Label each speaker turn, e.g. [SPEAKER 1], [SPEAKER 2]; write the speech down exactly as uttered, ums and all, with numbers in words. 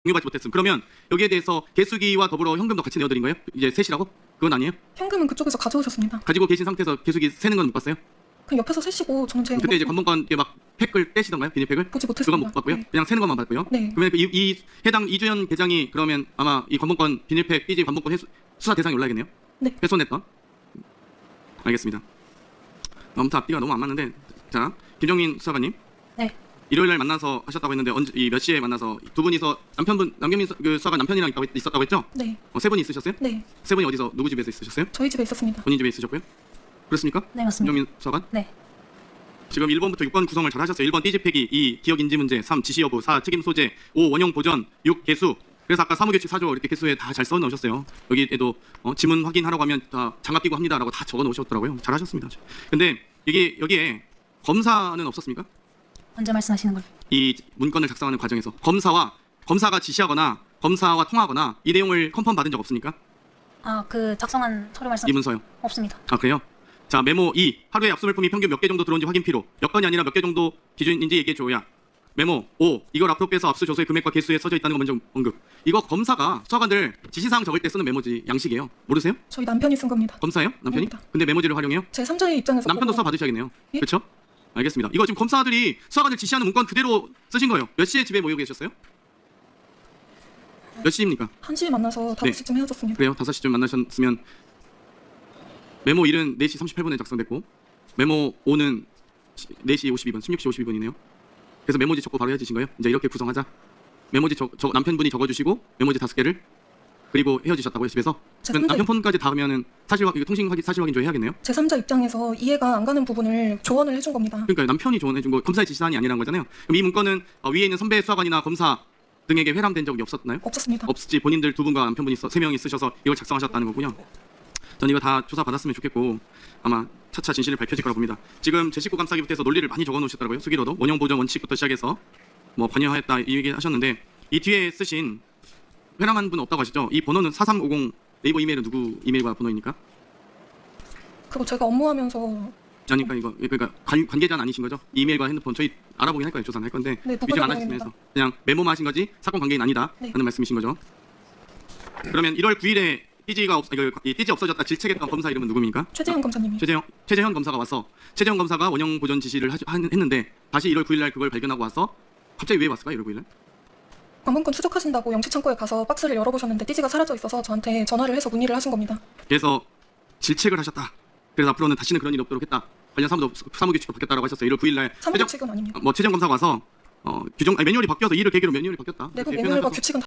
[SPEAKER 1] 공유받지 못했음. 그러면 여기에 대해서 개수기와 더불어 현금도 같이 내어드린 거예요? 이제 셋이라고? 그건 아니에요?
[SPEAKER 2] 현금은 그쪽에서 가져오셨습니다.
[SPEAKER 1] 가지고 계신 상태에서 개수기 세는 건 못 봤어요?
[SPEAKER 2] 그냥 옆에서 세시고 저는 제
[SPEAKER 1] 그때 이제 관본권 막 팩을 떼시던가요? 비닐팩을?
[SPEAKER 2] 보지 못했습니다.
[SPEAKER 1] 그건 못 봤고요.
[SPEAKER 2] 네.
[SPEAKER 1] 그냥 세는 것만 봤고요.
[SPEAKER 2] 네.
[SPEAKER 1] 그러면 이, 이 해당 이주연 계장이 그러면 아마 이 관본권 비닐팩 삐지 관본권 해수, 수사 대상에 올라야겠네요?
[SPEAKER 2] 네.
[SPEAKER 1] 훼손했던. 알겠습니다. 아무튼 앞뒤가 너무 안 맞는데, 자 김정민 수사관님.
[SPEAKER 3] 네.
[SPEAKER 1] 일요일 날 만나서 하셨다고 했는데 언제 이 몇 시에 만나서 두 분이서 남편분 남경민 수, 그 수사관 남편이랑 있다고, 있었다고 했죠?
[SPEAKER 2] 네.
[SPEAKER 1] 어, 세 분이 있으셨어요?
[SPEAKER 2] 네.
[SPEAKER 1] 세 분이 어디서 누구 집에서 있으셨어요?
[SPEAKER 2] 저희 집에 있었습니다.
[SPEAKER 1] 본인 집에 있으셨고요? 그렇습니까?
[SPEAKER 3] 네, 맞습니다.
[SPEAKER 1] 김정민 수사관?
[SPEAKER 3] 네.
[SPEAKER 1] 지금 일 번부터 육 번 구성을 잘 하셨어요. 일 번 띠지폐기, 이 기억 인지 문제, 삼 지시 여부, 사 책임 소재, 오 원형 보전, 육 개수. 그래서 아까 사무규칙 사 조 이렇게 개수에 다 잘 써 넣으셨어요. 여기에도 어, 지문 확인하라고 하면 다 장갑 끼고 합니다라고 다 적어 놓으셨더라고요. 잘 하셨습니다. 근데 이게 여기에 검사는 없었습니까?
[SPEAKER 3] 언제 말씀하시는 걸?
[SPEAKER 1] 이 문건을 작성하는 과정에서 검사와 검사가 지시하거나 검사와 통하거나 이 내용을 컨펌 받은 적 없습니까?
[SPEAKER 3] 아, 그 작성한 서류 말씀
[SPEAKER 1] 이 문서요.
[SPEAKER 3] 없습니다.
[SPEAKER 1] 아 그래요? 자 메모 이 하루에 압수물품이 평균 몇 개 정도 들어온지 확인 필요. 몇 건이 아니라 몇 개 정도 기준인지 얘기해 줘야. 메모 오 이걸 앞으로 빼서 압수 조서의 금액과 개수에 써져 있다는 거 먼저 언급. 이거 검사가 수사관들 지시사항 적을 때 쓰는 메모지 양식이에요. 모르세요?
[SPEAKER 2] 저희 남편이 쓴 겁니다.
[SPEAKER 1] 검사예요? 남편이?
[SPEAKER 2] 아닙니다.
[SPEAKER 1] 근데 메모지를 활용해요?
[SPEAKER 2] 제 삼자의 입장에서
[SPEAKER 1] 남편도
[SPEAKER 2] 보고
[SPEAKER 1] 수사 받으셔야겠네요.
[SPEAKER 2] 예?
[SPEAKER 1] 그렇죠? 알겠습니다. 이거 지금 검사들이 수사관들 지시하는 문건 그대로 쓰신 거예요. 몇 시에 집에 모여 계셨어요? 몇 시입니까?
[SPEAKER 2] 한 시에 만나서 다섯 시쯤 헤어졌습니다.
[SPEAKER 1] 그래요? 다섯 시쯤 만나셨으면 메모 일은 네 시 삼십팔 분에 작성됐고 메모 오는 네 시 오십이 분, 십육 시 오십이 분이네요. 그래서 메모지 적고 바로 헤어지신 거예요? 이제 이렇게 구성하자. 메모지 적, 적, 남편분이 적어주시고 메모지 다섯 개를 그리고 헤어지셨다고요 집에서?
[SPEAKER 2] 제
[SPEAKER 1] 그럼
[SPEAKER 2] 삼자
[SPEAKER 1] 남편 폰까지 닿으면은 사실 확- 이거 통신 확인 사실 확인 조 해야겠네요.
[SPEAKER 2] 제 삼자 입장에서 이해가 안 가는 부분을 조언을 해준 겁니다.
[SPEAKER 1] 그러니까 남편이 조언해준 거 검사의 지시사항이 아니라는 거잖아요. 그럼 이 문건은 어, 위에 있는 선배 수사관이나 검사 등에게 회람된 적이 없었나요?
[SPEAKER 2] 없었습니다.
[SPEAKER 1] 없지. 본인들 두 분과 남편분이 써, 세 명이 쓰셔서 이걸 작성하셨다는 거군요. 전 이거 다 조사 받았으면 좋겠고 아마 차차 진실이 밝혀질 거라 봅니다. 지금 제 식구 감싸기부터 해서 논리를 많이 적어 놓으셨더라고요. 수기로도 원형 보전 원칙부터 시작해서 뭐 관여하였다 이 얘기 하셨는데 이 뒤에 쓰신 회람한 분 없다고 하시죠? 이 번호는 사삼오공 네이버 이메일은 누구 이메일과 번호입니까?
[SPEAKER 2] 그리고 제가 업무하면서
[SPEAKER 1] 그러니까 이거 그러니까 관, 관계자는 아니신 거죠? 이메일과 핸드폰 저희 알아보긴 할 거예요. 조사는 할 건데
[SPEAKER 2] 네, 누가
[SPEAKER 1] 위증 안
[SPEAKER 2] 전화입니다.
[SPEAKER 1] 하셨으면서 그냥 메모만 하신 거지 사건 관계인 아니다
[SPEAKER 2] 네.
[SPEAKER 1] 라는 말씀이신 거죠. 그러면 일월 구일에 띠지가 없, 그, 이 띠지 없어졌다 질책했던 검사 이름은 누구입니까?
[SPEAKER 2] 최재형 검사님이
[SPEAKER 1] 최재형, 최재현 검사가 와서 최재현 검사가 원형 보전 지시를 하, 하, 했는데 다시 일월 구일 날 그걸 발견하고 와서 갑자기 왜 왔을까? 일월 구일 날?
[SPEAKER 2] 관본권 추적하신다고 영치창고에 가서 박스를 열어보셨는데 띠지가 사라져 있어서 저한테 전화를 해서 문의를 하신 겁니다.
[SPEAKER 1] 그래서 질책을 하셨다. 그래서 앞으로는 다시는 그런 일이 없도록 했다. 관련 사무도 사무규칙도 바뀌었다라고 하셨어요. 일월 구일 날 최정,
[SPEAKER 2] 사무규칙은 아닙니다.
[SPEAKER 1] 뭐 최재형 검사가 와서 어, 규정 아니, 매뉴얼이 바뀌어서 이를 계기로 매뉴얼이 바뀌었다.
[SPEAKER 2] 내부
[SPEAKER 1] 이렇게
[SPEAKER 2] 매뉴얼과
[SPEAKER 1] 표현하셔서
[SPEAKER 2] 규칙은